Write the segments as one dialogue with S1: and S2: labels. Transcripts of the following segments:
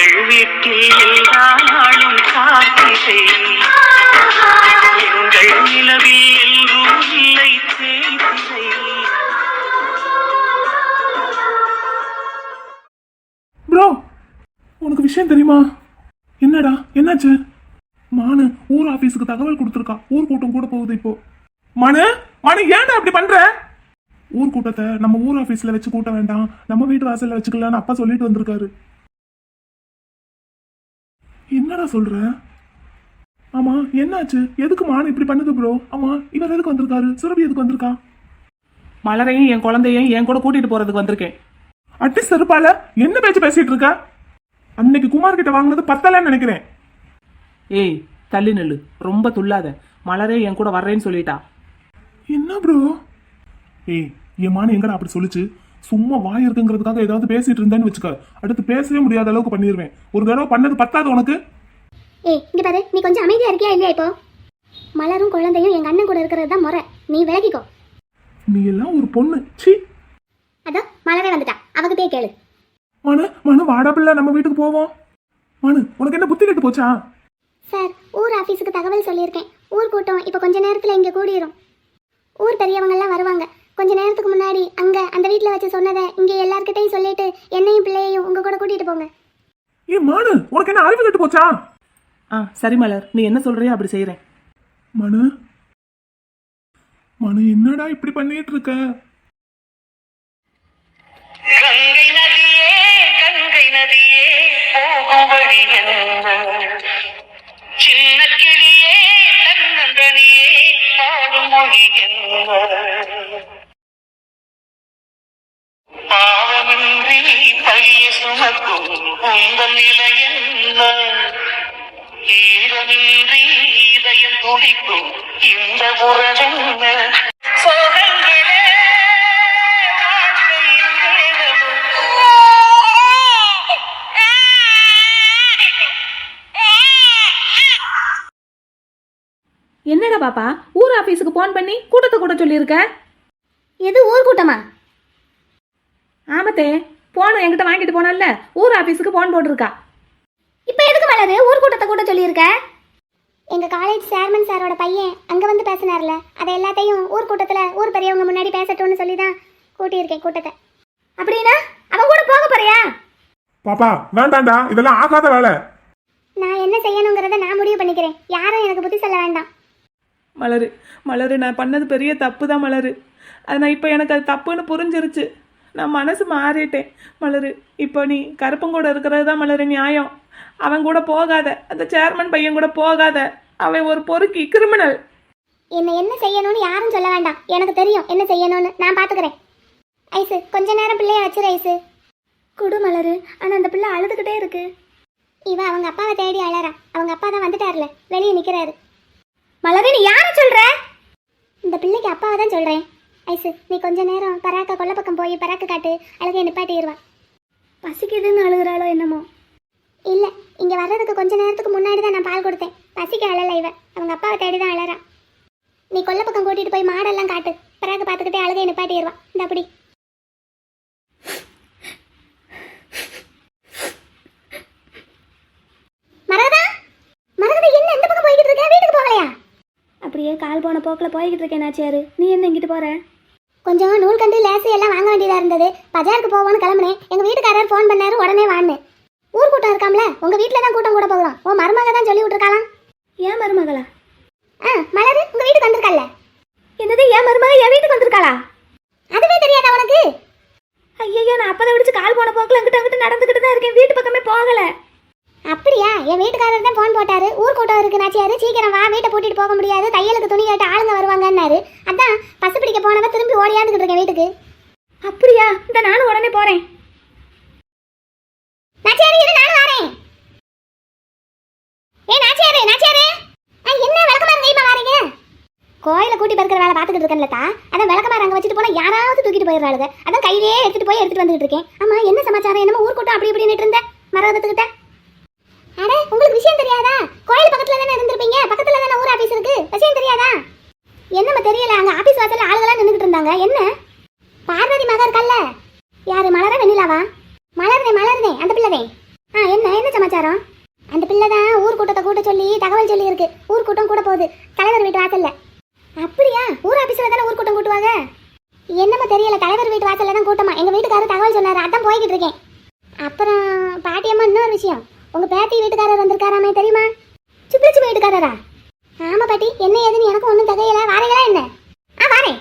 S1: எங்கள் வீட்டில் எல்லா நாளும் காத்திரை, எங்கள் நிலவில் எல்லோரும் இல்லை தேய்திரை.
S2: ப்ரோ, உனக்கு விஷயம் தெரியுமா? என்னடா, என்னாச்சு? மானு ஊர் ஆபீஸுக்கு தகவல் கொடுத்துருக்கா. ஊர் கூட்டம் கூட போகுது இப்போ. மனு ஏன்டா அப்படி பண்ற? ஊர் கூட்டத்தை நம்ம ஊர் ஆபீஸ்ல வச்சு கூட்ட வேண்டாம், நம்ம வீட்டு வாசல்ல வச்சுக்கலாம்னு அப்பா சொல்லிட்டு வந்திருக்காரு. என்னடா சொல்ற? ஆமா, என்னாச்சு? எதுக்கு மானு இப்படி பண்ணுது ப்ரோ? ஆமா, இவர் எதுக்கு வந்திருக்காரு? சுரபி எதுக்கு வந்திருக்கா?
S3: மலரையும் என் குழந்தையும் என் கூட கூட்டிட்டு போறதுக்கு வந்திருக்கேன்.
S2: அட்டி செருப்பால என்ன பேச்சு பேசிட்டு இருக்க? அன்னைக்கு குமார் கிட்ட வாங்கினது பத்தலன்னு நினைக்கிறேன்.
S3: ஏய், தள்ளி நெல்லு, ரொம்ப துள்ளாத. மலரே என் கூட வர்றேன்னு சொல்லிட்டா.
S2: என்ன ப்ரோ? ஏய், என் மான எங்கடா அப்படி சொல்லிச்சு? சும்மா வாய் இருக்குங்கிறதுக்காக ஏதாவது பேசிட்டு இருந்தேன்னு வச்சுக்க, அடுத்து பேசவே முடியாத அளவுக்கு பண்ணிடுவேன். ஒரு தடவை பண்ணது பத்தாது உனக்கு?
S4: ஏய், இங்க பாரு, நீ கொஞ்சம் அமைதியா இருக்கியா இல்லையா? இப்போ மலரும் குழந்தையும் எங்க அண்ணன் கூட இருக்கிறது தான் முறை. நீ விலகிக்கோ.
S2: நீ எல்லாம் ஒரு பொண்ணு. சி.
S4: அதான் மலரே வந்துட்டா, அவகிட்டே கேளு.
S2: மனு வாடா பிள்ளை, நம்ம வீட்டுக்கு போவோம். மனு, உனக்கு என்ன புத்தி கெட்டு போச்சா?
S4: சார், ஊர் ஆபீஸுக்கு தகவல் சொல்லியிருக்கேன். ஊர் கூட்டம் இப்போ கொஞ்ச நேரத்துல இங்க கூடிரும். ஊர் பெரியவங்க எல்லாம் வருவாங்க. கொஞ்ச நேரத்துக்கு முன்னாடி அங்க அந்த வீட்டுல வச்சு சொன்னதை இங்க எல்லார்கிட்டையும் சொல்லிட்டு என்னையும் பிள்ளையையும் உங்க கூட கூட்டிட்டு போங்க.
S2: ஏ மானு, உனக்கு என்ன அறிவு கெட்டு போச்சா?
S3: சரி மலர், நீ என்ன சொல்றியோ அப்படி செய்யறேன்.
S2: மனு என்னடா இப்படி பண்ணிட்டு இருக்க?
S1: கங்கை நதியே, கங்கை நதியே, போகும் வழி என்ன? சின்ன கிளியே, தன்னந்தனியே, பாடும் மொழி என்ன? பாவமின்றி பழிய சுமக்கும் உங்கள் நிலை என்ன? ஈரமின்றி இதயம் துடிக்கும் இந்த உறவென்ன? சோகங்களே வாழ்க்கையின் வேதமும்.
S3: என்னடா பாப்பா, ஊர் ஆபீஸுக்கு போன் பண்ணி கூட்டத்தை கூட சொல்லியிருக்க?
S4: எது ஊர் கூட்டமா?
S3: ஆமத்தே, போன் என்கிட்ட வாங்கிட்டு போனல்ல, ஊர் ஆபீஸுக்கு போன் போட்டிருக்கா.
S4: இப்போ எதுக்கு மலரு ஊர் கூட்டத்தை கூட சொல்லியிருக்க? எங்க காலேஜ் சேர்மன் சாரோட பையன் அங்க வந்து பேசினார்ல, அதை எல்லாத்தையும் ஊர் கூட்டத்துல ஊர் பெரியவங்க முன்னாடி பேசட்டும்னு சொல்லி தான் கூட்டியிருக்கேன் கூட்டத்தை. அப்படின்னா அவன் கூட போக போறியா?
S2: பாப்பா வேண்டாண்டா, இதெல்லாம் ஆகாத வேலை.
S4: நான் என்ன செய்யணுங்கிறத நான் முடிவு பண்ணிக்கிறேன். யாரும் எனக்கு புத்தி சொல்ல வேண்டாம்.
S3: மலரு, நான் பண்ணது பெரிய தப்பு தான் மலரு. அது நான் இப்போ எனக்கு அது தப்புன்னு புரிஞ்சிருச்சு. நான் மனசு மாறிட்டேன் மலரு. இப்போ நீ கருப்பங்கூட இருக்கிறது தான் மலரு நியாயம். அவன் கூட போகாத, அந்த சேர்மன் பையன் கூட போகாத. அவன் ஒரு பொறுக்கி, கிரிமினல்.
S4: என்ன செய்யணும்னு யாரும் சொல்ல வேண்டாம். எனக்கு தெரியும் என்ன செய்யணும்னு. நான் பாத்துக்கிறேன். ஐசு, கொஞ்ச நேரம் பிள்ளைய வச்சிரு ஐசு. குடு மலரு. ஆனா அந்த பிள்ளை அழுதுகிட்டே இருக்கு. இவ அவங்க அப்பாவை தேடி அழறா. அவங்க அப்பா தான் வந்துட்டார்ல, வெளியே நிக்கிறாரு. மலரு, நீ யார சொல்ற? இந்த பிள்ளைக்கு அப்பாவை தான் சொல்றேன். ஐசு, நீ கொஞ்ச நேரம் பராக்க கொல்ல பக்கம் போய் பராக்க காட்டு, அழகை நிப்பாட்டிடுவா. பசிக்குதுன்னு அழுகுறாளோ என்னமோ. இல்ல, இங்க வர்றதுக்கு கொஞ்ச நேரத்துக்கு முன்னாடி தான் நான் பால் கொடுத்தேன். பசிக்க அழல இவ, அவங்க அப்பாவை தேடி தான் அழறா. நீ கொல்ல பக்கம் கூட்டிட்டு போய் மாடெல்லாம் காட்டு, பராக்க பார்த்துக்கிட்டே அழகை நிப்பாட்டிடுவா. இந்த அப்படி மரகதா, என்ன இந்த பக்கம் போய்கிட்டு இருக்க? வீட்டுக்கு போகலையா? அப்படியே கால் போன போக்கில் போய்கிட்டு இருக்கேன் நாச்சியாரு. நீ என்ன இங்கிட்டு போற? கொஞ்சம் நூல் கண்டு லேசு எல்லாம் வாங்க வேண்டியதா இருந்தது. பஜாருக்கு போவோன்னு கிளம்புனேன். எங்க வீட்டுக்காரர் ஃபோன் பண்ணாரு, உடனே வான்னு. ஊர் கூட்டம் இருக்காம்ல, உங்க வீட்டுல தான் கூட்டம் கூட போகலாம். உன் மருமக தான் சொல்லி விட்டுருக்காளாம். ஏன் மருமகளா? மலரு உங்க வீட்டுக்கு வந்திருக்கல்ல. என்னது, என் மருமக என் வீட்டுக்கு வந்திருக்காளா? அதுவே தெரியாதா உனக்கு? ஐயோ, நான் அப்பதை விடிச்சு கால் போன போக்கில் அங்கிட்ட நடந்துக்கிட்டு தான் இருக்கேன். வீட்டு பக்கமே போகல. அப்படியா? என் வீட்டுக்காரர் தான் ஃபோன் போட்டாரு. ஊர் கூட்டம் இருக்கு நாச்சியாரு, சீக்கிரம் வா, வீட்டை பூட்டிட்டு போக முடியாது, தையலுக்கு துணி கேட்டு ஆளுங்க வருவாங்கன்னாரு. அதான் பசு பிடிக்க போனவ திரும்பி ஓடியாந்துக்கிட்டு இருக்கேன் வீட்டுக்கு. அப்படியா? இந்த நானும் உடனே போறேன். நாச்சியாரு, இரு, நானும் வரேன். நாச்சியாரு, என்ன விளக்கமாறு கைமா வாரீங்க? கோயில கூட்டி பறக்கிற வேலை பார்த்துக்கிட்டு இருக்கேன்லத்தா, அதான் விளக்கமாறு அங்கே வச்சுட்டு போனா யாராவது தூக்கிட்டு போயிடுறாளுங்க. அதான் கையிலே எடுத்துட்டு வந்துட்டு இருக்கேன். ஆமா, என்ன சமாச்சாரம்? என்னமோ ஊர் கூட்டம் அப்படி இப்படின்னு இருந்த மரகதத்துக்கிட்ட. அட, உங்களுக்கு விஷயம் தெரியாதா? கோயில் பக்கத்துல தானே இருந்திருப்பீங்க, பக்கத்துல தானே ஊர் ஆபீஸ் இருக்கு. விஷயம் தெரியாதா? என்னமா தெரியல, அங்க ஆபீஸ் வாசல்ல ஆளுகளா நின்னுகிட்டு இருந்தாங்க. என்ன பார்வதி மகா இருக்கல்ல, யாரு? மலர வெண்ணிலாவா? மலர்தே அந்த பிள்ளைதே. என்ன என்ன சமாச்சாரம்? அந்த பிள்ளை தான் ஊர் கூட்டத்தை கூட்ட சொல்லி தகவல் சொல்லி இருக்கு. ஊர் கூட்டம் கூட போகுது தலைவர் வீட்டு வாசல்ல. அப்படியா? ஊர் ஆபீஸ்ல தானே ஊர் கூட்டம் கூட்டுவாங்க. என்னமோ தெரியல, தலைவர் வீட்டு வாசல்ல தான் கூட்டமா. எங்க வீட்டுக்காரர் தகவல் சொன்னாரு, அதான் போய்கிட்டு இருக்கேன். அப்புறம் பாட்டியம்மா, இன்னொரு விஷயம், உங்க பேத்தி வீட்டுக்காரர் வந்திருக்காராமே தெரியுமா? சுப்ளச்சு வீட்டுக்காரரா? ஆமா பாட்டி, என்ன ஏதுன்னு எனக்கும் ஒன்றும் தகையில. வாரீங்களா என்ன? வாரேன்.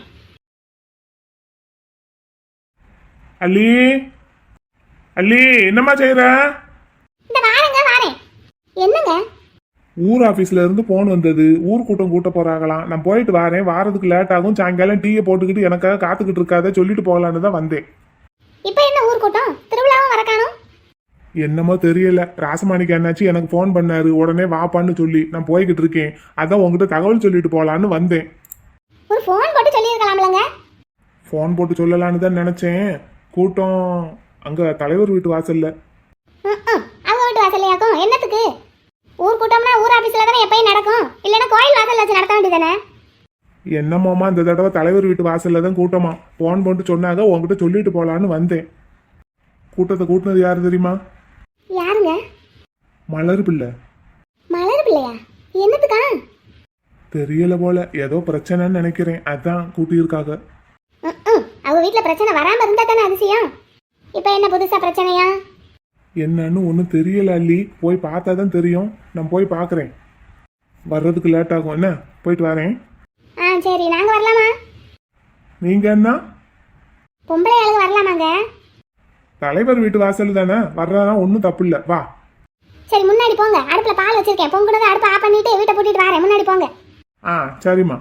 S2: அல்லி, அல்லி, என்னம்மா செய்யற?
S4: இந்த வாரேங்க, வாரேன். என்னங்க?
S2: ஊர் ஆபீஸ்ல இருந்து போன் வந்தது. ஊர் கூட்டம் கூட்ட போறாங்களாம். நான் போயிட்டு வரேன், வாரதுக்கு லேட் ஆகும். சாயங்காலம் டீயை போட்டுக்கிட்டு எனக்காக காத்துக்கிட்டு இருக்காத, சொல்லிட்டு போகலான்னு தான் வந்தேன்.
S4: இப்போ என்ன ஊர் கூட்டம்? திருவிழாவும் வரக்கானும்?
S2: என்னமோ தெரியல, ராசமாணிக்கு என்னாச்சு எனக்கு ஃபோன் பண்ணாரு, உடனே வாப்பான்னு சொல்லி நான் போய்கிட்டு இருக்கேன். அதான் உங்ககிட்ட தகவல் சொல்லிட்டு போகலான்னு வந்தேன்.
S4: ஒரு ஃபோன் போட்டு சொல்லியிருக்கலாம்லங்க.
S2: ஃபோன் போட்டு சொல்லலான்னு தான் நினைச்சேன். கூட்டம் அங்க தலைவர் வீட்டு வாசல்ல.
S4: அவங்க வீட்டு வாசல்லையாக்கும்? என்னத்துக்கு? ஊர் கூட்டம்னா ஊர் ஆபீஸ்ல தானே எப்பயும் நடக்கும், இல்லைன்னா கோயில் வாசல்ல வச்சு நடத்த வேண்டியதானே?
S2: என்னமாமா இந்த தடவை தலைவர் வீட்டு வாசல்ல தான் கூட்டமா. ஃபோன் போட்டு சொன்னாங்க, உங்ககிட்ட சொல்லிட்டு போகலான்னு வந்தேன். கூட்டத்தை கூட்டினது யாரு தெரியுமா?
S4: யாருங்க?
S2: மலர் பிள்ளை.
S4: மலர் பிள்ளையா? என்னத்துக்கா?
S2: தெரியல போல, ஏதோ பிரச்சனைன்னு நினைக்கிறேன், அதான் கூட்டியிருக்காங்க.
S4: அவங்க வீட்டுல பிரச்சனை வராம இருந்தா தானே அதிசயம். இப்ப என்ன புதுசா பிரச்சனையா?
S2: என்னன்னு ஒன்றும் தெரியல அல்லி, போய் பார்த்தா தான் தெரியும். நான் போய் பார்க்குறேன். வர்றதுக்கு லேட் ஆகும், என்ன? போயிட்டு வரேன்.
S4: சரி, நாங்க வரலாமா?
S2: நீங்க என்ன?
S4: பொம்பளை ஆளுங்க வரலாமாங்க?
S2: தலைவர் வீட்டு வாசல் தானே, வர்றதா ஒன்றும் தப்பு இல்லை, வா.
S4: சரி, முன்னாடி போங்க. அடுப்புல பால் வச்சிருக்கேன், பொங்குனதை அடுப்பு ஆஃப் பண்ணிட்டு வீட்டை பூட்டிட்டு வரேன். முன்னாடி போங்க.
S2: சரிம்மா.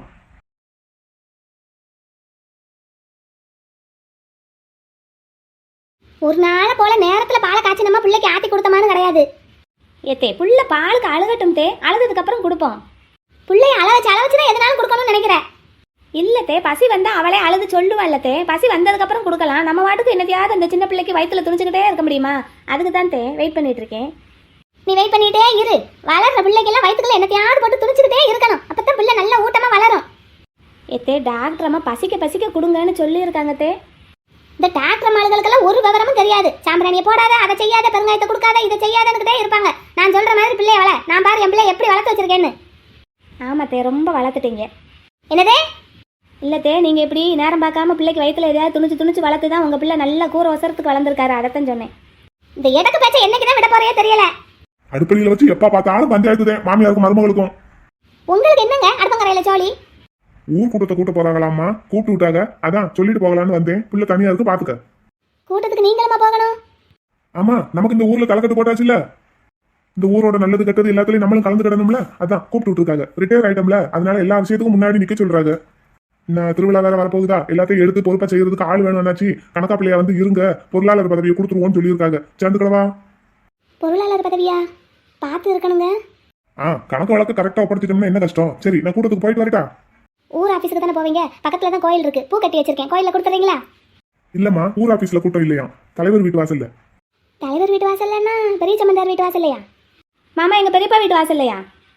S4: ஒரு நாள் போல நேரத்துல பாலை காய்ச்சி நம்ம பிள்ளைக்கு ஆத்தி கொடுத்தமானு கிடையாது.
S5: ஏத்தே புள்ள பாலுக்கு அழுகட்டும் தே, அழுதுக்கு அப்புறம் கொடுப்போம்.
S4: பிள்ளைய அளவச்சுதான் எதனாலும் கொடுக்கணும்னு நினைக்கிறேன்.
S5: இல்லத்தே, பசி வந்தா அவளே அழுது சொல்லுவாள்லத்தே. பசி வந்ததுக்கு அப்புறம் கொடுக்கலாம். நம்ம வாட்டுக்கு என்னத்தையாவது அந்த சின்ன பிள்ளைக்கு வயிற்றுல துணிச்சுக்கிட்டே இருக்க முடியுமா? அதுக்கு தான் தே வெயிட் பண்ணிட்டு இருக்கேன்.
S4: நீ வெயிட் பண்ணிட்டே இரு. வளர்ற பிள்ளைக்கெல்லாம் வயிற்றுக்குள்ள என்னத்தையாவது போட்டு துணிச்சுக்கிட்டே இருக்கணும். அப்பதான் பிள்ளை நல்ல ஊட்டமா வளரும்.
S5: ஏத்தே, டாக்டர் அம்மா பசிக்க கொடுங்கன்னு சொல்லியிருக்காங்க தே.
S4: இந்த டாக்டர் மாளுகளுக்கெல்லாம் ஒரு விவரமும் தெரியாது. சாம்பிராணியை போடாத, அதை செய்யாத, பெருங்காயத்தை கொடுக்காத, இதை செய்யாதன்னுக்கிட்டே இருப்பாங்க. நான் சொல்ற மாதிரி பிள்ளைய வள. நான் பாரு என் பிள்ளை எப்படி வளர்த்து வச்சிருக்கேன்னு.
S5: ஆமாத்தே, ரொம்ப வளர்த்துட்டீங்க.
S4: என்னதே?
S5: இல்லத்தே, நீங்க எப்படி நேரம் பார்க்காம பிள்ளைக்கு வயிற்றுல எதையாவது துணிச்சு வளர்த்து தான் உங்க பிள்ளை நல்ல கூற ஒசரத்துக்கு வளர்ந்துருக்காரு. அதைத்தான் சொன்னேன்.
S4: இந்த எடக்கு பேச்ச என்னைக்குதான் விட போறே தெரியல.
S2: அடுப்படியில வச்சு எப்ப பார்த்தாலும் பஞ்சாயத்து தான், மாமியாருக்கும் மருமகளுக்கும்.
S4: உங்களுக்கு என்னங்க அடுப்பங்கரையில ஜோலி?
S2: ஊர் கூட்டத்தை கூட்ட போறாங்களாமா, கூப்பிட்டு விட்டாங்க. அதான் சொல்லிட்டு போகலான்னு வந்தேன். பிள்ளை தனியா இருக்கு, பாத்துக்க.
S4: கூட்டத்துக்கு நீங்களுமா போகணும்?
S2: ஆமா, நமக்கு இந்த ஊர்ல தலைக்கட்டு போட்டாச்சுல்ல. இந்த ஊரோட நல்லது கெட்டது எல்லாத்துலயும் நம்மளும் கலந்து கிடணும்ல, அதான் கூப்பிட்டு விட்டுருக்காங்க. ரிட்டையர் ஆயிட்டோம்ல, அதனால எல்லா விஷயத்துக்கும் முன்னாடி நிக்க சொல்றாங்க. நான் திருவிழா வேற வரப்போகுதா, எல்லாத்தையும் எடுத்து பொறுப்பா செய்யறதுக்கு ஆள் வேணும்னாச்சு. கணக்கா பிள்ளையா வந்து இருங்க, பொருளாளர் பதவியை கொடுத்துருவோம்னு சொல்லியிருக்காங்க. சேர்ந்துக்கடவா?
S4: பொருளாளர் பதவியா? பார்த்து இருக்கணுங்க.
S2: கணக்கு வழக்கு கரெக்டா ஒப்படைச்சிட்டோம்னா என்ன கஷ்டம். சரி, நான் கூட்டத்துக்கு போயிட்டு வரட்டா?
S4: ஊர் ஆபீஸ்க்கு தானே போவீங்க? பக்கத்துல தான் கோயில் இருக்கு, பூ கட்டி வச்சிருக்கேன். கோயில கொடுத்துறீங்களா?
S2: இல்லம்மா, ஊர் ஆபீஸ்ல கூட்டம் இல்லையா, தலைவர் வீட்டு வாசல்ல.
S4: தலைவர் வீட்டு வாசல்லன்னா பெரிய சம்பந்தார் வீட்டு வாசல்லையா?
S5: மாமா, எங்க பெரியப்பா வீட்டு வாசல்லையா?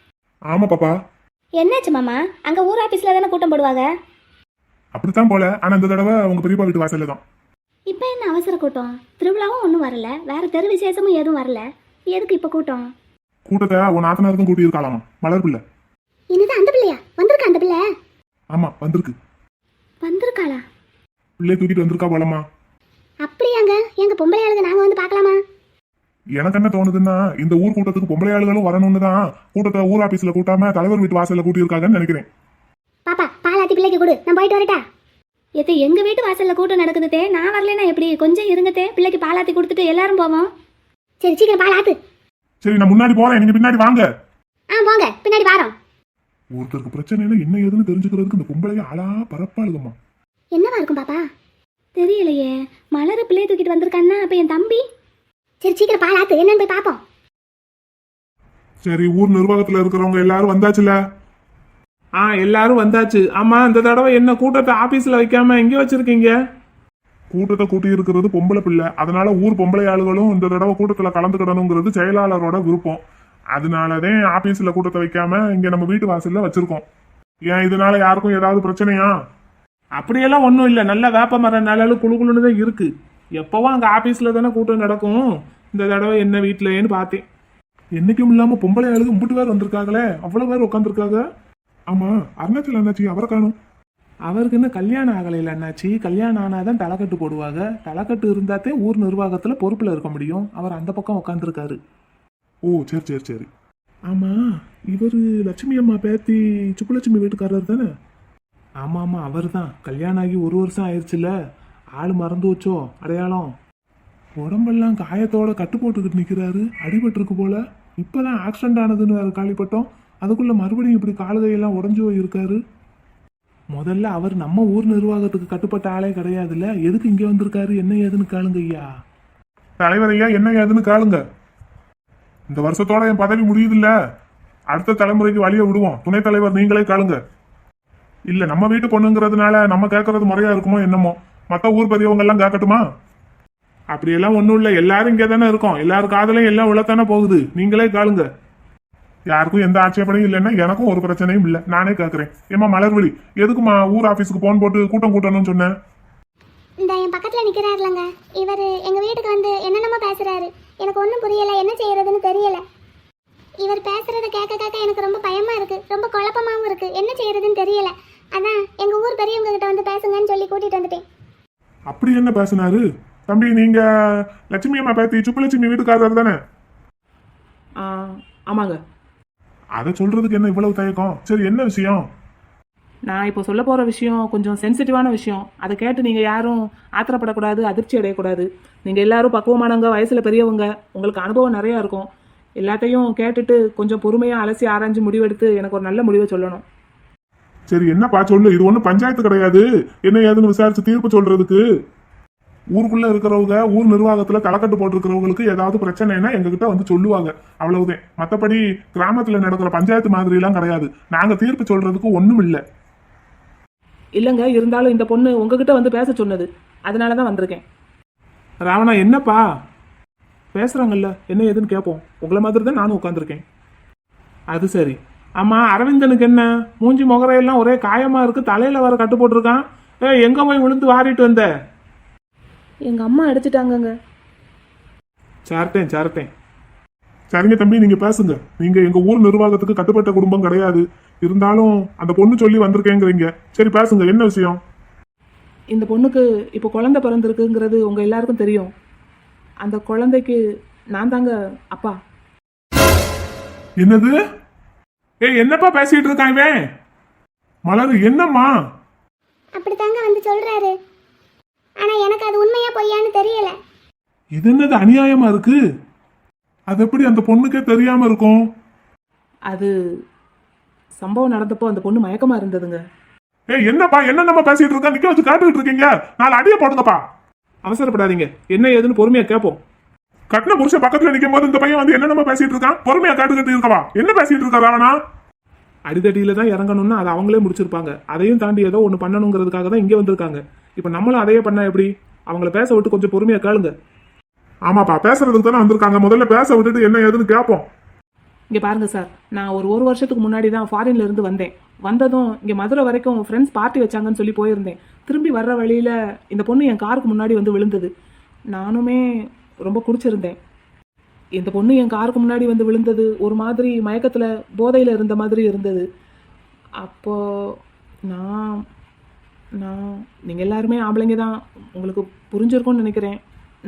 S2: ஆமா பாப்பா.
S5: என்னாச்சு மாமா? அங்க ஊர் ஆபீஸ்ல தானே கூட்டம் போடுவாங்க.
S2: அப்படித்தான் போல, ஆனா இந்த தடவை உங்க பெரியப்பா வீட்டு வாசல்ல தான்.
S5: இப்ப என்ன அவசர கூட்டம்? திருவிழாவும் ஒன்றும் வரல, வேற தெரு விசேஷமும் எதுவும் வரல, எதுக்கு இப்ப கூட்டம்?
S2: கூட்டத்தை உன் ஆத்தனாருக்கும் கூட்டி இருக்காளாமா, மலர் பிள்ளை.
S4: என்னது, அந்த பிள்ளையா வந்திருக்கா? அந்த பிள்ளை?
S2: ஆமா, வந்திருக்கு.
S5: வந்திருக்காளா?
S2: பிள்ளைய தூக்கிட்டு வந்திருக்கா போலமா.
S4: அப்படியாங்க? எங்க பொம்பளை ஆளுங்க நாங்க வந்து பார்க்கலாமா?
S2: எனக்கு என்ன தோணுதுன்னா, இந்த ஊர் கூட்டத்துக்கு பொம்பளை ஆளுகளும் வரணும்னு தான் கூட்டத்தை ஊர் ஆபீஸ்ல கூட்டாம தலைவர் வீட்டு வாசல்ல கூட்டி இருக்காங்கன்னு நினைக்கிறேன்.
S4: பாப்பா, பாலாத்தி பிள்ளைக்கு கொடு, நான் போயிட்டு வரட்டா?
S5: எது எங்க வீட்டு வாசல்ல கூட்டம் நடக்குதுதே, நான் வரலன்னா எப்படி? கொஞ்சம் இருங்கத்தே, பிள்ளைக்கு பாலாத்தி கொடுத்துட்டு எல்லாரும் போவோம்.
S4: சரி, சீக்கிரம் பால் ஆத்து.
S2: சரி, நான் முன்னாடி போறேன், நீங்க பின்னாடி வாங்க.
S4: போங்க, பின்னாடி வாரோம்.
S2: ஒருத்தருக்கு பிரச்சனையில என்ன ஏதுன்னு தெரிஞ்சுக்கிறதுக்கு இந்த பொம்பளைய ஆளா பரப்பாளுகம்மா.
S4: என்னவா இருக்கும் பாப்பா?
S5: தெரியலையே. மலர பிள்ளைய தூக்கிட்டு வந்திருக்கான்னா அப்ப என் தம்பி.
S4: சரி, சீக்கிரம் பால் ஆத்து, என்னன்னு போய் பாப்போம்.
S2: சரி, ஊர் நிர்வாகத்துல இருக்கிறவங்க எல்லாரும் வந்தாச்சுல?
S6: எல்லாரும் வந்தாச்சு. ஆமா, இந்த தடவை என்ன கூட்டத்தை ஆபீஸ்ல வைக்காம எங்க வச்சிருக்கீங்க?
S2: கூட்டத்தை கூட்டி இருக்கிறது பொம்பளை பிள்ளை, அதனால ஊர் பொம்பளை ஆளுகளும் இந்த தடவை கூட்டத்துல கலந்துக்கிடணுங்கிறது செயலாளரோட விருப்பம். அதனாலதான் ஆபீஸ்ல கூட்டத்தை வைக்காம இங்க நம்ம வீட்டு வாசல்ல வச்சிருக்கோம். ஏன் இதனால யாருக்கும் ஏதாவது பிரச்சனையா?
S6: அப்படியெல்லாம் ஒன்றும் இல்லை. நல்ல வேப்ப மர நிழலும் குழுக்குழுன்னு தான் இருக்கு. எப்பவும் அங்க ஆபீஸ்ல தானே கூட்டம் நடக்கும். இந்த தடவை என்ன வீட்லன்னு பார்த்தேன்.
S2: என்னைக்கும் இல்லாம பொம்பளை ஆளுக்கு முட்டு பேர் வந்திருக்காங்களே, அவ்வளவு பேர் உட்காந்துருக்காங்க. ஆமா, அருணாச்சல் அண்ணாச்சி அவரை காணும்.
S6: அவருக்கு இன்னும் கல்யாணம் ஆகலையில அண்ணாச்சி. கல்யாணம் ஆனாதான் தலைக்கட்டு போடுவாங்க. தலைக்கட்டு இருந்தாத்தே ஊர் நிர்வாகத்துல பொறுப்புல இருக்க முடியும். அவர் அந்த பக்கம் உட்காந்துருக்காரு.
S2: ஓ சரி சரி சரி. ஆமா, இவரு லட்சுமி அம்மா பேத்தி சுப்புலட்சுமி வீட்டுக்காரர் தானே?
S6: ஆமா ஆமா, அவர் தான். கல்யாணம் ஆகி 1 வருஷம் ஆயிடுச்சுல. ஆள் மறந்து வச்சோ அடையாளம்.
S2: உடம்பெல்லாம் காயத்தோட கட்டு போட்டுக்கிட்டு நிக்கிறாரு. அடிபட்டிருக்கு போல. இப்பதான் ஆக்சிடென்ட் ஆனதுன்னு வேற கேள்விப்பட்டோம். அதுக்குள்ள மறுபடியும் இப்படி காலுகையெல்லாம் உடஞ்சு போயிருக்காரு.
S6: முதல்ல அவர் நம்ம ஊர் நிர்வாகத்துக்கு கட்டுப்பட்ட ஆளே கிடையாதுல்ல. எதுக்கு இங்க வந்திருக்காரு, என்ன ஏதுன்னு கேளுங்க ஐயா.
S2: தலைவர் ஐயா, என்ன ஏதுன்னு கேளுங்க. இந்த வருஷத்தோட என் பதவி முடியுதுல்ல, அடுத்த தலைமுறைக்கு வழிய விடுவோம். துணைத் தலைவர் நீங்களே கேளுங்க. இல்ல நம்ம வீட்டு பொண்ணுங்கிறதுனால நம்ம கேட்கறது முறையா இருக்குமோ என்னமோ. மத்த ஊர் பெரியவங்க எல்லாம் கேட்கட்டுமா?
S6: அப்படியெல்லாம் ஒண்ணும் இல்ல. எல்லாரும் இங்க தானே இருக்கோம். எல்லாரும் காதலையும் எல்லாம் உள்ளத்தானே போகுது. நீங்களே கேளுங்க.
S2: யாருக்கும் எந்த ஆட்சேபனையும் இல்லைன்னா எனக்கும் ஒரு பிரச்சனையும் இல்லை. நானே கேட்கறேன். ஏமா மலர்விழி, எதுக்குமா ஊர் ஆபீஸுக்கு போன் போட்டு கூட்டம் கூட்டணும்னு சொன்னேன்?
S4: இந்த என் பக்கத்தில் நிற்கிறாருலங்க, இவர் எங்கள் வீட்டுக்கு வந்து என்னென்னமோ பேசுகிறாரு. எனக்கு ஒன்றும் புரியலை, என்ன செய்யறதுன்னு தெரியல. இவர் பேசுகிறத கேட்க கேட்க எனக்கு ரொம்ப பயமாக இருக்குது, ரொம்ப குழப்பமாகவும் இருக்குது. என்ன செய்யறதுன்னு தெரியல. அதான் எங்கள் ஊர் பெரியவங்க கிட்ட வந்து பேசுங்கன்னு சொல்லி கூட்டிகிட்டு வந்துட்டேன்.
S2: அப்படி என்ன பேசினாரு? தம்பி, நீங்க லட்சுமி அம்மா பேத்தி சுப்புலட்சுமி வீட்டுக்காரர் தானே?
S3: ஆமாங்க.
S2: அதை சொல்றதுக்கு என்ன இவ்வளவு தயக்கம்? சரி, என்ன விஷயம்?
S3: நான் இப்போ சொல்ல போகிற விஷயம் கொஞ்சம் சென்சிட்டிவான விஷயம். அதை கேட்டு நீங்கள் யாரும் ஆத்திரப்படக்கூடாது, அதிர்ச்சி அடையக்கூடாது. நீங்கள் எல்லாரும் பக்குவமானவங்க, வயசில் பெரியவங்க, உங்களுக்கு அனுபவம் நிறையா இருக்கும். எல்லாத்தையும் கேட்டுட்டு கொஞ்சம் பொறுமையாக அலசி ஆராய்ஞ்சு முடிவெடுத்து எனக்கு ஒரு நல்ல முடிவை சொல்லணும்.
S2: சரி, என்னப்பா சொல்லு. இது ஒன்றும் பஞ்சாயத்து கிடையாது. என்ன ஏதுன்னு விசாரிச்சு தீர்ப்பு சொல்றதுக்கு. ஊருக்குள்ள இருக்கிறவங்க, ஊர் நிர்வாகத்துல தலைக்கட்டு போட்டிருக்கிறவங்களுக்கு ஏதாவது பிரச்சனைனா எங்ககிட்ட வந்து சொல்லுவாங்க. அவ்வளவுதான். மற்றபடி கிராமத்துல நடக்கிற பஞ்சாயத்து மாதிரி எல்லாம் கிடையாது. நாங்க தீர்ப்பு சொல்றதுக்கு ஒண்ணும் இல்லை.
S3: இல்லைங்க, இருந்தாலும் இந்த பொண்ணு உங்ககிட்ட வந்து பேச சொன்னது, அதனால தான் வந்திருக்கேன்.
S6: ராவணா, என்னப்பா பேசுறாங்கல்ல, என்ன ஏதுன்னு கேட்போம். உங்களை மாதிரி தான் நானும் உட்காந்துருக்கேன். அது சரி. ஆமா, அரவிந்தனுக்கு என்ன மூஞ்சி முகரையெல்லாம் ஒரே காயமா இருக்கு, தலையில வர கட்டு போட்டிருக்கான். எங்க போய் விழுந்து வாரிட்டு வந்த?
S3: எங்கள் அம்மா அடிச்சிட்டாங்கங்க.
S6: சார்ட்டேன்.
S2: சரிங்க தம்பி, நீங்க பேசுங்க. நீங்க எங்க ஊர் நிர்வாகத்துக்கு கட்டுப்பட்ட குடும்பம் கிடையாது. இருந்தாலும் அந்த பொண்ணு சொல்லி வந்திருக்கேங்கிறீங்க. சரி, பேசுங்க, என்ன விஷயம்?
S3: இந்த பொண்ணுக்கு இப்போ குழந்தை பிறந்திருக்குங்கிறது உங்கள் எல்லாருக்கும் தெரியும். அந்த குழந்தைக்கு நான் தாங்க அப்பா.
S2: என்னது? என்னப்பா பேசிட்டு இருக்கான் இவன்? மலர், என்னம்மா?
S4: அப்படித்தாங்க வந்து சொல்கிறாரு. ஆனால் எனக்கு அது உண்மையா பொய்யான்னு தெரியல.
S2: இது என்னது அநியாயமா இருக்கு? அது எப்படி அந்த பொண்ணுக்கே தெரியாம இருக்கும்?
S3: அது சம்பவம் நடந்தப்போ அந்த பொண்ணு மயக்கமாக இருந்ததுங்க.
S2: என்னப்பா என்னென்னமா பேசிட்டு இருக்கா? நிக்க வச்சு காட்டுக்கிட்டு இருக்கீங்க. 4 அடியை போடுங்கப்பா.
S6: அவசரப்படாதீங்க, என்ன ஏதுன்னு பொறுமையா கேட்போம்.
S2: கட்டின புருஷன் பக்கத்துல நிக்கும் போது இந்த பையன் வந்து என்னென்னமா பேசிட்டு இருக்கான்? பொறுமையா காட்டுக்கிட்டு இருக்கவா? என்ன பேசிட்டு இருக்கா ராவணா?
S6: அடிதடியில தான் இறங்கணும்னா அதை அவங்களே முடிச்சிருப்பாங்க. அதையும் தாண்டி ஏதோ ஒன்று பண்ணணுங்கிறதுக்காக தான் இங்கே வந்திருக்காங்க. இப்போ நம்மளும் அதையே பண்ணா எப்படி? அவங்கள பேச விட்டு கொஞ்சம் பொறுமையா கேளுங்க.
S2: ஆமாப்பா, பேசுறதுக்கு தானே வந்திருக்காங்க. முதல்ல பேச விட்டுட்டு என்ன ஏதுன்னு கேட்போம்.
S3: இங்கே பாருங்க சார், நான் ஒரு வருஷத்துக்கு முன்னாடி தான் ஃபாரின்ல இருந்து வந்தேன். வந்ததும் இங்கே மதுரை வரைக்கும் ஃப்ரெண்ட்ஸ் பார்ட்டி வச்சாங்கன்னு சொல்லி போயிருந்தேன். திரும்பி வர்ற வழியில் இந்த பொண்ணு என் காருக்கு முன்னாடி வந்து விழுந்தது. நானுமே ரொம்ப குடிச்சிருந்தேன். இந்த பொண்ணு என் காருக்கு முன்னாடி வந்து விழுந்தது ஒரு மாதிரி மயக்கத்தில் போதையில் இருந்த மாதிரி இருந்தது. அப்போது நான் நீங்கள் எல்லாருமே ஆம்பளைங்க தான், உங்களுக்கு புரிஞ்சிருக்கும்னு நினைக்கிறேன்.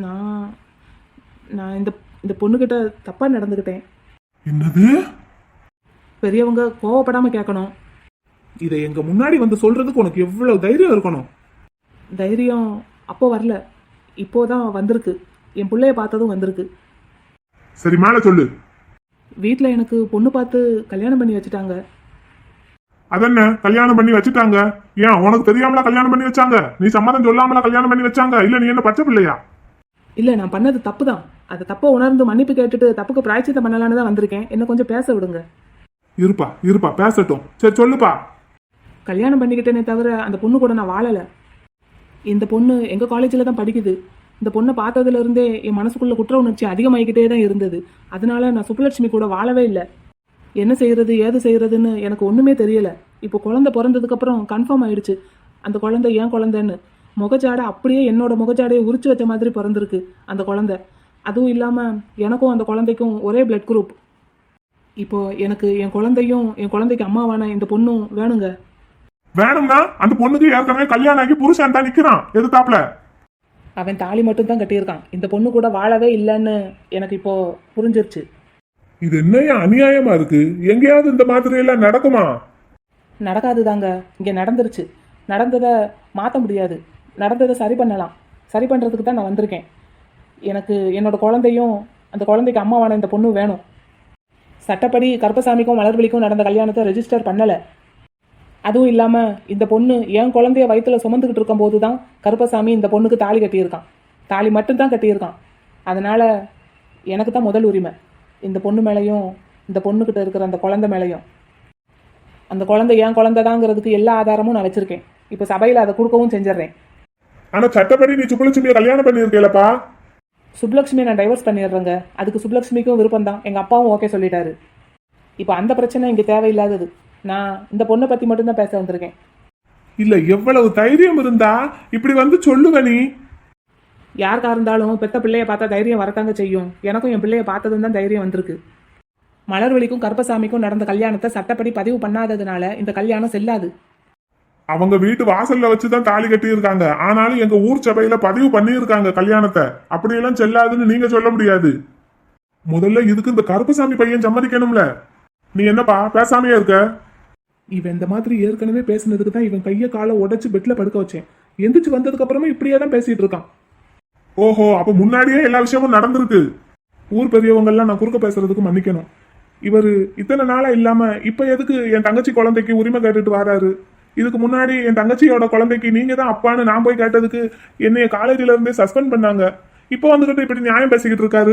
S3: நான் இந்த பொண்ணுக்கிட்ட தப்பாக நடந்துக்கிட்டேன்.
S2: என்னது?
S3: பெரியவங்க கோவப்படாமல் கேட்கணும்.
S6: இதை எங்க முன்னாடி வந்து சொல்றதுக்கு உனக்கு எவ்வளவு தைரியம் இருக்கணும்?
S3: தைரியம் அப்போ வரல, இப்போதான் வந்திருக்கு. என் பிள்ளைய பார்த்ததும் வந்திருக்கு.
S2: சரி, மேல சொல்லு.
S3: வீட்டில் எனக்கு பொண்ணு பார்த்து கல்யாணம் பண்ணி வச்சுட்டாங்க.
S2: அதென்ன கல்யாணம் பண்ணி வச்சுட்டாங்க? ஏன் உனக்கு தெரியாமலா கல்யாணம் பண்ணி வச்சாங்க? நீ சம்மதம் சொல்லாமலா கல்யாணம் பண்ணி வச்சாங்க? இல்ல நீ என்ன பச்சை பிள்ளையா?
S3: இல்லை, நான் பண்ணது தப்பு தான். அதை தப்பை உணர்ந்து மன்னிப்பு கேட்டுட்டு தப்புக்கு பிராய்ச்சித்தம் பண்ணலான்னு தான் வந்திருக்கேன். என்ன கொஞ்சம் பேச விடுங்க.
S2: இருப்பா பேசட்டும். சரி சொல்லுப்பா.
S3: கல்யாணம் பண்ணிக்கிட்டேனே தவிர அந்த பொண்ணு கூட நான் வாழலை. இந்த பொண்ணு எங்கள் காலேஜில் தான் படிக்குது. இந்த பொண்ணை பார்த்ததுலேருந்தே என் மனசுக்குள்ளே குற்ற உணர்ச்சி அதிகமாகிக்கிட்டே தான் இருந்தது. அதனால நான் சுப்புலட்சுமி கூட வாழவே இல்லை. என்ன செய்கிறது ஏது செய்கிறதுன்னு எனக்கு ஒன்றுமே தெரியலை. இப்போ குழந்தை பிறந்ததுக்கப்புறம் கன்ஃபார்ம் ஆயிடுச்சு அந்த குழந்தை ஏன் குழந்தைன்னு. முகஜாடை அப்படியே என்னோட முகஜாடையை உரிச்சு வச்ச மாதிரி பிறந்திருக்கு அந்த குழந்தை. அதுவும் இல்லாமல் எனக்கும் அந்த குழந்தைக்கும் ஒரே பிளட் குரூப். இப்போ எனக்கு என் குழந்தையும் என் குழந்தைக்கு அம்மாவான இந்த பொண்ணும் வேணுங்க.
S2: வேணும்னா அந்த பொண்ணுக்கு ஏற்கனவே கல்யாணம் ஆகி புருஷன் தான் நிக்கிறான் எதிர்த்தாப்புல.
S3: அவன் தாலி மட்டும் தான் கட்டியிருக்கான். இந்த பொண்ணு கூட வாழவே இல்லைன்னு எனக்கு இப்போ புரிஞ்சிருச்சு.
S2: இது என்னையா அநியாயமா இருக்கு? எங்கேயாவது இந்த மாதிரி எல்லாம் நடக்குமா?
S3: நடக்காது தாங்க, இங்கே நடந்துருச்சு. நடந்ததை மாற்ற முடியாது, நடந்ததை சரி பண்ணலாம். சரி பண்ணுறதுக்கு தான் நான் வந்திருக்கேன். எனக்கு என்னோட குழந்தையும் அந்த குழந்தைக்கு அம்மாவான இந்த பொண்ணும் வேணும். சட்டப்படி கருப்பசாமிக்கும் மலர்விழிக்கும் நடந்த கல்யாணத்தை ரெஜிஸ்டர் பண்ணலை. அதுவும் இல்லாமல் இந்த பொண்ணு என் குழந்தைய வயிற்றுல சுமந்துக்கிட்டு இருக்கும்போது தான் கருப்பசாமி இந்த பொண்ணுக்கு தாலி கட்டியிருக்கான். தாலி மட்டும்தான் கட்டியிருக்கான். அதனால் எனக்கு தான் முதல் உரிமை இந்த பொண்ணு மேலேயும் இந்த பொண்ணுக்கிட்ட இருக்கிற அந்த குழந்தை மேலேயும். அந்த குழந்தை என் குழந்தை தாங்கிறதுக்கு எல்லா ஆதாரமும் நான் வச்சுருக்கேன். இப்போ சபையில் அதை கொடுக்கவும் செஞ்சிடறேன்.
S2: ஆனா சட்டப்படி நீ சுப்புலட்சுமியை கல்யாணம் பண்ணியிருக்கேலப்பா.
S3: சுப்லக்ஷ்மியை நான் டைவர்ஸ் பண்ணிடுறேங்க. அதுக்கு சுப்லக்ஷ்மிக்கும் விருப்பம் தான். எங்கள் அப்பாவும் ஓகே சொல்லிட்டாரு. இப்போ அந்த பிரச்சனை இங்கே தேவையில்லாதது. நான் இந்த பொண்ணை பற்றி மட்டும்தான் பேச வந்திருக்கேன்.
S2: இல்ல எவ்வளவு தைரியம் இருந்தா இப்படி வந்து சொல்லுவ நீ?
S3: யாருக்கா இருந்தாலும் பெத்த பிள்ளைய பார்த்தா தைரியம் வரத்தாங்க செய்யும். எனக்கும் என் பிள்ளைய பார்த்ததும் தான் தைரியம் வந்திருக்கு. மலர்விழிக்கும் கருப்பசாமிக்கும் நடந்த கல்யாணத்தை சட்டப்படி பதிவு பண்ணாததுனால இந்த கல்யாணம் செல்லாது.
S2: அவங்க வீட்டு வாசல்ல வச்சுதான் தாலி கட்டி இருக்காங்க. ஆனாலும் எங்க ஊர் சபையில பதிவு பண்ணியிருக்காங்க கல்யாணத்தை. அப்படியெல்லாம் செல்லாதுன்னு நீங்க சொல்ல முடியாது. முதல்ல இதுக்கு இந்த கருப்பசாமி பையன் சம்மதிக்கணும்ல. நீ என்னப்பா பேசாமையே இருக்க?
S6: இவன் இந்த மாதிரி ஏற்கனவே பேசுனதுக்கு தான் இவன் கையை காலை உடைச்சு பெட்ல படுக்க வச்சேன். எந்திரிச்சு வந்ததுக்கு அப்புறமா இப்படியே தான் பேசிட்டு இருக்கான்.
S2: ஓஹோ, அப்ப முன்னாடியே எல்லா விஷயமும் நடந்திருக்கு.
S6: ஊர் பெரியவங்க எல்லாம் நான் குறுக்க பேசுறதுக்கு மன்னிக்கணும். இவர் இத்தனை நாளா இல்லாம இப்ப எதுக்கு என் தங்கச்சி குழந்தைக்கு உரிமை கேட்டுட்டு வராரு? இதுக்கு முன்னாடி என் தங்கச்சியோட குழந்தைக்கு நீங்க தான் அப்பான்னு நான் போய் கேட்டதுக்கு என்னைய காலேஜ்ல இருந்தே சஸ்பெண்ட் பண்ணாங்க. இப்போ வந்துகிட்டு இப்படி நியாயம் பேசிக்கிட்டு இருக்காரு.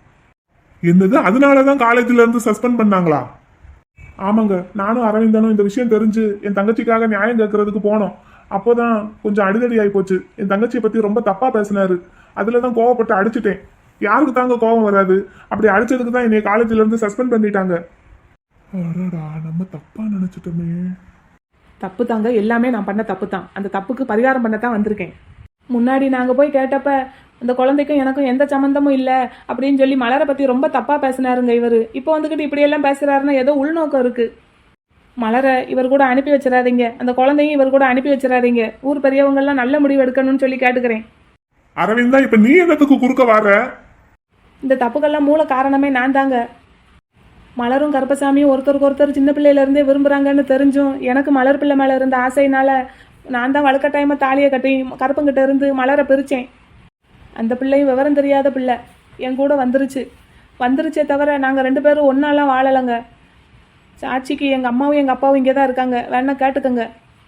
S6: என்னது, அதனாலதான் காலேஜ்ல இருந்து சஸ்பெண்ட் பண்ணாங்களா? ஆமாங்க, நானும் அரவிந்தனும் இந்த விஷயம் தெரிஞ்சு என் தங்கச்சிக்காக நியாயம் கேட்கறதுக்கு போனோம். அப்போதான் கொஞ்சம் அடிதடி ஆகி போச்சு. என் தங்கச்சியை பத்தி ரொம்ப தப்பா பேசினாரு. அதுலதான் கோவப்பட்டு அடிச்சுட்டேன். யாருக்கு தாங்க கோபம் வராது? அப்படி அடிச்சதுக்கு தான் என்னை காலேஜ்ல இருந்து சஸ்பெண்ட் பண்ணிட்டாங்க.
S2: அடடா, நம்ம தப்பா நினைச்சிட்டோமே.
S3: தப்பு தாங்க, எல்லாமே நான் பண்ண தப்பு தான். அந்த தப்புக்கு பரிகாரம் பண்ணத்தான் வந்திருக்கேன். முன்னாடி நாங்கள் போய் கேட்டப்ப அந்த குழந்தைக்கும் எனக்கும் எந்த சம்மந்தமும் இல்லை அப்படின்னு சொல்லி மலரை பற்றி ரொம்ப தப்பாக பேசினாருங்க இவர். இப்போ வந்துக்கிட்டு இப்படியெல்லாம் பேசுகிறாருன்னா ஏதோ உள்நோக்கம் இருக்குது. மலரை இவர் கூட அனுப்பி வச்சிடாதீங்க, அந்த குழந்தையும் இவர் கூட அனுப்பி வச்சிடாதீங்க. ஊர் பெரியவங்கெல்லாம் நல்ல முடிவு எடுக்கணும்னு சொல்லி கேட்டுக்கிறேன்.
S2: அரவிந்தா, இப்ப நீ என்னத்துக்கு குறுக்க வர?
S3: இந்த தப்புக்கெல்லாம் மூல காரணமே நான் தாங்க. மலரும் கருப்பசாமியும் ஒருத்தருக்கு ஒருத்தர் சின்ன பிள்ளையிலேருந்தே விரும்புகிறாங்கன்னு தெரிஞ்சும் எனக்கு மலர் பிள்ளை மேலே இருந்த ஆசையினால நான் தான் வழுக்கட்டாயமாக தாலியை கட்டி கருப்பங்கிட்ட இருந்து மலரை பிரித்தேன். அந்த பிள்ளையும் விவரம் தெரியாத பிள்ளை என் கூட வந்துருச்சே தவிர நாங்கள் 2 பேரும் ஒன்றாலாம் வாழலைங்க. சாட்சிக்கு எங்கள் அம்மாவும் எங்கள் அப்பாவும் இங்கே தான் இருக்காங்க, வேணா கேட்டுக்கங்க.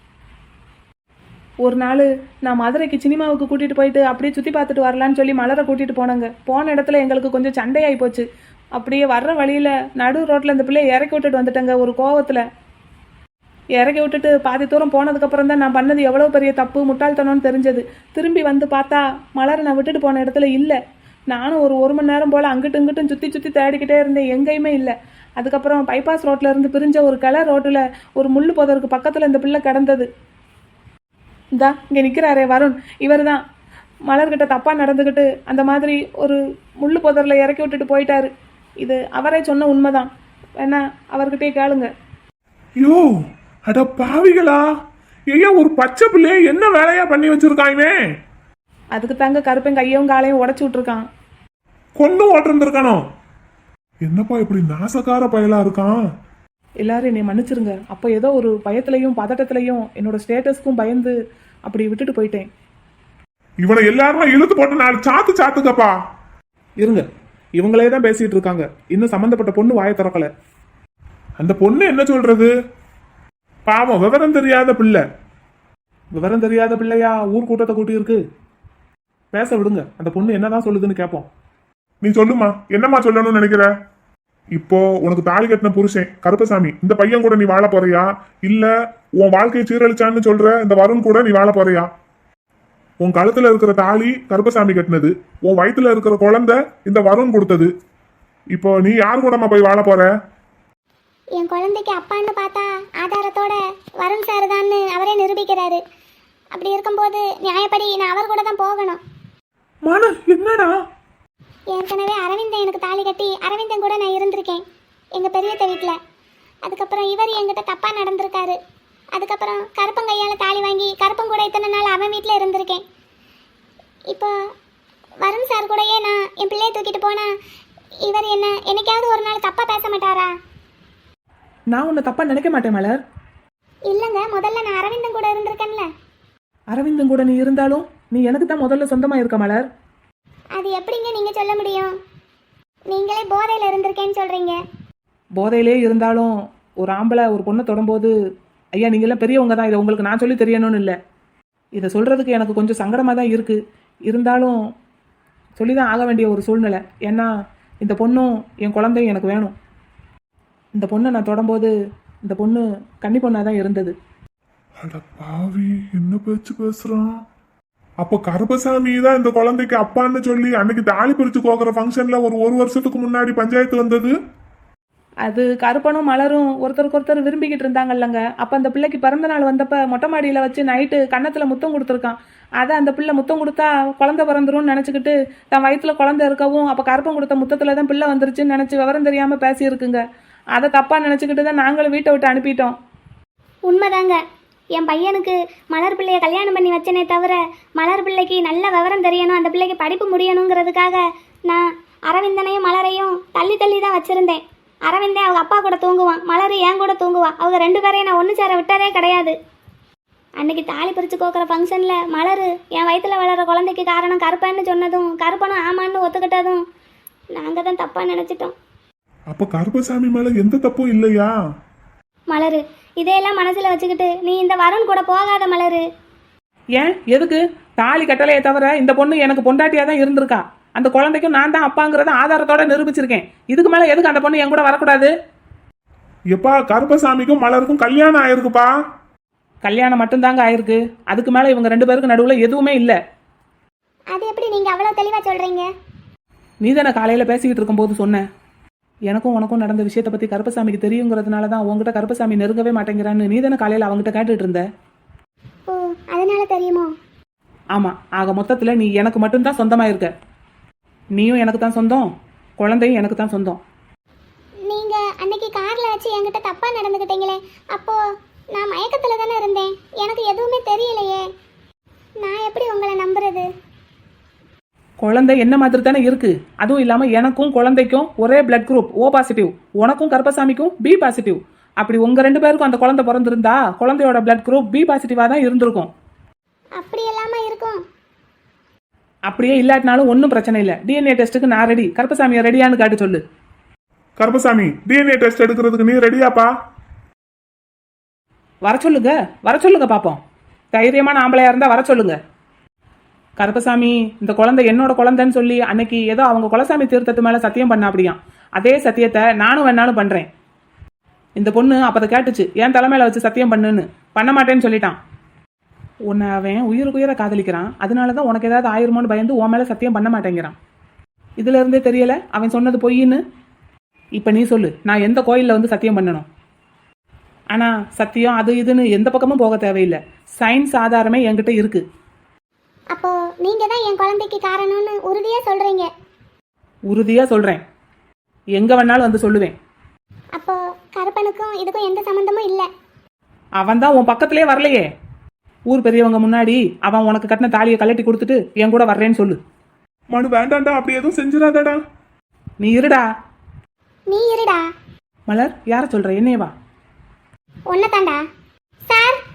S3: ஒரு நாள் நான் மதுரைக்கு சினிமாவுக்கு கூட்டிகிட்டு போயிட்டு அப்படியே சுற்றி பார்த்துட்டு வரலான்னு சொல்லி மலரை கூட்டிகிட்டு போனாங்க. போன இடத்துல எங்களுக்கு கொஞ்சம் சண்டையாகி போச்சு. அப்படியே வர்ற வழியில் நடு ரோட்டில் இந்த பிள்ளையை இறக்கி விட்டுட்டு வந்துட்டேங்க. ஒரு கோவத்தில் இறக்கி விட்டுட்டு பாதி தூரம் போனதுக்கப்புறம் தான் நான் பண்ணது எவ்வளோ பெரிய தப்பு முட்டாள்தனம்னு தெரிஞ்சது. திரும்பி வந்து பார்த்தா மலரை நான் விட்டுட்டு போன இடத்துல இல்லை. நானும் ஒரு மணி நேரம் போல் அங்கிட்டும் இங்கிட்டும் சுற்றி தேடிக்கிட்டே இருந்தேன், எங்கேயுமே இல்லை. அதுக்கப்புறம் பைபாஸ் ரோட்டில் இருந்து பிரிஞ்ச ஒரு கிளை ரோட்டில் ஒரு முள்ளு புதருக்கு பக்கத்தில் இந்த பிள்ளை கிடந்தது. இந்தா இங்கே நிற்கிறாரே வருண், இவர் தான் மலர்கிட்ட தப்பாக நடந்துக்கிட்டு அந்த மாதிரி ஒரு முள்ளு புதரில் இறக்கி விட்டுட்டு போயிட்டாரு. இது அவரே சொன்ன உண்மைதான், வேணா அவர்கிட்டயே கேளுங்க.
S2: யோ, அட பாவிகளா, ஐயா ஒரு பச்சை பிள்ளைய என்ன வேலையா பண்ணி வச்சிருக்காங்க?
S3: அதுக்கு தாங்க கருப்பன் கையும் காலையும் உடச்சி விட்டுருக்கான்.
S2: கொண்டு ஓட்டிருந்திருக்கானோ? என்னப்பா இப்படி நாசக்கார பயலா இருக்கான்?
S3: எல்லாரும் என்னை மன்னிச்சிருங்க. அப்போ ஏதோ ஒரு பயத்திலையும் பதட்டத்திலையும் என்னோட ஸ்டேட்டஸ்க்கும் பயந்து அப்படி விட்டுட்டு போயிட்டேன்.
S2: இவனை எல்லாருமே இழுத்து போட்டு 4 சாத்துக்கப்பா.
S6: இருங்க, இவங்களே தான் பேசிட்டு இருக்காங்க. இன்னும் சம்பந்தப்பட்ட பொண்ணு வாயை திறக்கல.
S2: அந்த பொண்ணு என்ன சொல்றது? பாவம், விவரம் தெரியாத பிள்ளை.
S6: விவரம் தெரியாத பிள்ளையா ஊர் கூட்டத்தை கூட்டி இருக்கு. பேச விடுங்க, அந்த பொண்ணு என்னதான் சொல்லுதுன்னு கேட்போம்.
S2: நீ சொல்லுமா, என்னம்மா சொல்லணும்னு நினைக்கிற? இப்போ உனக்கு தாலி கட்டின புருஷன் கருப்பசாமி, இந்த பையன் கூட நீ வாழ போறியா? இல்ல உன் வாழ்க்கையை சீரழிச்சான்னு சொல்ற இந்த வருண் கூட நீ வாழ போறியா? உன் கழுத்துல இருக்கிற தாலி கருப்பசாமி கட்டினது, உன் வயிற்றுல இருக்கிற குழந்தை இந்த வருண் கொடுத்தது. இப்போ நீ யார் கூடமா போய் வாழ போற?
S4: என் குழந்தைக்கு அப்பான்னு பார்த்தா ஆதாரத்தோட வருண் சார் தான்னு அவரே நிரூபிக்கிறாரு. அப்படி இருக்கும்போது நியாயப்படி நான் அவர் கூட தான் போகணும்.
S2: மனு என்னடா?
S4: ஏற்கனவே அரவிந்தன் எனக்கு தாலி கட்டி அரவிந்தன் கூட நான் இருந்திருக்கேன் எங்கள் பெரியத்த வீட்டில். அதுக்கப்புறம் இவர் என்கிட்ட தப்பாக நடந்திருக்காரு. அதுக்கப்புறம் கருப்பங்கையால் தாலி வாங்கி கருப்பன் கூட இத்தனை நாள் அவன் வீட்டில் இருந்திருக்கேன். இப்போ வருண் சார் கூடயே நான் என் பிள்ளையை தூக்கிட்டு போனா இவர் என்ன என்னைக்காவது ஒரு நாள் தப்பாக பேச மாட்டாரா?
S3: நான் உன்னை தப்பாக நினைக்க மாட்டேன் மலர்.
S4: இல்லைங்க, முதல்ல நான் அரவிந்தன் கூட இருந்திருக்கேன்ல.
S3: அரவிந்தன் கூட நீ இருந்தாலும் நீ எனக்கு தான் முதல்ல சொந்தமாக இருக்க மலர்.
S4: அது எப்படிங்க நீங்கள் சொல்ல முடியும்? நீங்களே போதையில் இருந்திருக்கேன்னு சொல்கிறீங்க.
S3: போதையிலே இருந்தாலும் ஒரு ஆம்பளை ஒரு பொண்ணை தொடும்போது, ஐயா நீங்களாம் பெரியவங்க தான், இதை உங்களுக்கு நான் சொல்லி தெரியணும்னு இல்லை. இதை சொல்கிறதுக்கு எனக்கு கொஞ்சம் சங்கடமாக தான் இருக்குது. இருந்தாலும் சொல்லி தான் ஆக வேண்டிய ஒரு சூழ்நிலை. ஏன்னா இந்த பொண்ணும் என் குழந்தையும் எனக்கு வேணும். இந்த பொண்ணை நான் தொடும்போது இந்த பொண்ணு கன்னி பொண்ணாக தான் இருந்தது.
S2: அட பாவி, என்ன பேச்சு பேசுறான்? அப்ப கருப்பசாமி தான் இந்த குழந்தைக்கு அப்பான்னு சொல்லி அன்னைக்கு தாலி பிரிச்சு கோக்குற ஃபங்க்ஷன்ல ஒரு வருஷத்துக்கு முன்னாடி பஞ்சாயத்து வந்தது.
S3: அது கருப்பனும் மலரும் ஒருத்தருக்கு ஒருத்தர் விரும்பிக்கிட்டு இருந்தாங்கல்லங்க. அப்போ அந்த பிள்ளைக்கு பிறந்த நாள் வந்தப்போ மொட்டை மாடியில் வச்சு நைட்டு கன்னத்தில் முத்தம் கொடுத்துருக்கான். அதை அந்த பிள்ளை முத்தம் கொடுத்தா குழந்தை பிறந்துரும்னு நினச்சிக்கிட்டு தன் வயிற்றுல குழந்தை இருக்கவும் அப்போ கருப்பன் கொடுத்த முத்தத்தில் தான் பிள்ளை வந்துருச்சுன்னு நினச்சி விவரம் தெரியாமல் பேசியிருக்குங்க. அதை தப்பாக நினச்சிக்கிட்டு தான் நாங்களும் வீட்டை விட்டு அனுப்பிட்டோம்.
S4: உண்மைதாங்க, என் பையனுக்கு மலர் பிள்ளையை கல்யாணம் பண்ணி வச்சனே தவிர மலர் பிள்ளைக்கு நல்ல விவரம் தெரியணும், அந்த பிள்ளைக்கு படிப்பு முடியணுங்கிறதுக்காக நான் அரவிந்தனையும் மலரையும் தள்ளி தள்ளி தான் வச்சுருந்தேன். அரவிந்தே அவங்க அப்பா கூட தூங்குவான், மலர் என் கூட தூங்குவா. அவங்க ரெண்டு பேரையும் நான் ஒன்று சேர விட்டதே கிடையாது. அன்னைக்கு தாலி பிரித்து கோக்குற ஃபங்க்ஷனில் மலர் என் வயிற்றில் வளர குழந்தைக்கு காரணம் கருப்பன்னு சொன்னதும் கருப்பனும் ஆமான்னு ஒத்துக்கிட்டதும் நாங்கள் தான் தப்பாக நினச்சிட்டோம்.
S2: அப்ப கருப்பசாமி மேல எந்த தப்பும் இல்லையா?
S4: மலர், இதையெல்லாம் மனசில் வச்சுக்கிட்டு நீ இந்த வருண் கூட போகாத மலர்.
S3: ஏன் எதுக்கு? தாலி கட்டலையே தவிர இந்த பொண்ணு எனக்கு பொண்டாட்டியாக தான் இருந்திருக்கா. அந்த குழந்தைக்கும் நான் தான் அப்பாங்கிறத ஆதாரத்தோட நிரூபிச்சிருக்கேன். இதுக்கு மேலே எதுக்கு அந்த பொண்ணு என் கூட வரக்கூடாது?
S2: எப்பா, கருப்பசாமிக்கும் மலருக்கும் கல்யாணம் ஆயிருக்குப்பா.
S3: கல்யாணம் மட்டும்தாங்க ஆயிருக்கு. அதுக்கு மேலே இவங்க ரெண்டு பேருக்கு நடுவில் எதுவுமே இல்லை.
S4: அது எப்படி நீங்கள் அவ்வளோ தெளிவாக சொல்கிறீங்க?
S3: நீ தானே காலையில் பேசிக்கிட்டு இருக்கும்போது சொன்னேன், எனக்கும் உனக்கும் நடந்த விஷயத்தை பற்றி கருப்பசாமிக்கு தெரியுங்கிறதுனால தான் உங்ககிட்ட கருப்பசாமி நெருங்கவே மாட்டேங்கிறான்னு நீ தானே காலையில் அவங்ககிட்ட கேட்டுட்டு இருந்த.
S4: ஓ, அதனால தெரியுமோ?
S3: ஆமாம், ஆக மொத்தத்தில் நீ எனக்கு மட்டும்தான் சொந்தமாக இருக்க. நீயும் எனக்கு தான் சொந்தம், குழந்தையும் எனக்கு தான் சொந்தம்.
S4: நீங்கள் அன்னைக்கு காரில் வச்சு என்கிட்ட தப்பாக நடந்துக்கிட்டீங்களே, அப்போது நான் மயக்கத்தில் தானே இருந்தேன், எனக்கு எதுவுமே தெரியலையே. நான் எப்படி உங்களை நம்புறது?
S3: குழந்தை என்ன மாதிரி தானே இருக்கு. அதுவும் இல்லாமல் எனக்கும் குழந்தைக்கும் ஒரே பிளட் குரூப் O பாசிட்டிவ், உனக்கும் கருப்பசாமிக்கும் B பாசிட்டிவ். அப்படி உங்க ரெண்டு பேருக்கும் அந்த குழந்தை பிறந்திருந்தா குழந்தையோட பிளட் குரூப் B பாசிட்டிவாக தான் இருந்திருக்கும்.
S4: அப்படி எல்லாமா இருக்கும்?
S3: அப்படியே இல்லாட்டினாலும் ஒன்றும் பிரச்சனை இல்லை. DNA டெஸ்ட்டுக்கு நான் ரெடி. கருப்பசாமியை ரெடியான்னு காட்டு சொல்லு.
S2: கருப்பசாமி, DNA டெஸ்ட் எடுக்கிறதுக்கு நீ ரெடியாப்பா?
S3: வர சொல்லுங்க பார்ப்போம். தைரியமான ஆம்பளையா இருந்தால் வர சொல்லுங்க. கருப்பசாமி, இந்த குழந்தை என்னோட குழந்தைன்னு சொல்லி அன்னைக்கு ஏதோ அவங்க குலசாமி தீர்த்தத்து மேலே சத்தியம் பண்ண அப்படியாம். அதே சத்தியத்தை நானும் வேணாலும் பண்ணுறேன். இந்த பொண்ணு அப்போ அதை கேட்டுச்சு, என் தலைமையில வச்சு சத்தியம் பண்ணுன்னு. பண்ண மாட்டேன்னு சொல்லிட்டான். உன்னை அவன் உயிருக்குயிரை காதலிக்கிறான். அதனால தான் உனக்கு ஏதாவது ஆயிருமோன்னு பயந்து உன் மேலே சத்தியம் பண்ண மாட்டேங்கிறான். இதுல இருந்தே தெரியல அவன் சொன்னது பொய்ன்னு. இப்போ நீ சொல்லு, நான் எந்த கோயிலில் வந்து சத்தியம் பண்ணணும்? ஆனால் சத்தியம் அது இதுன்னு எந்த பக்கமும் போக தேவையில்லை. சயின்ஸ் ஆதாரமே என்கிட்ட இருக்கு.
S4: அப்போ நீங்க தான் என் குழந்தைக்கு காரணம்னு உறுதியா சொல்றீங்க?
S3: உறுதியா சொல்றேன். எங்க வேணாலும் வந்து சொல்லுவேன்.
S4: அப்போ கருப்பனுக்கும் இதுக்கும் எந்த சம்பந்தமும் இல்லை?
S3: அவன் தான் உன் பக்கத்திலே வரலையே. ஊர் பெரியவங்க முன்னாடி அவன் உனக்கு கட்டின தாலியை கழட்டி கொடுத்துட்டு என் கூட வர்றேன்னு சொல்லு.
S2: மனு, வேண்டாண்டா, அப்படி எதுவும் செஞ்சிடாதடா.
S3: நீ இருடா.
S4: நீ இருடா.
S3: மலர், யார சொல்ற? என்னையவா?
S4: ஒன்னதாண்டா சார்.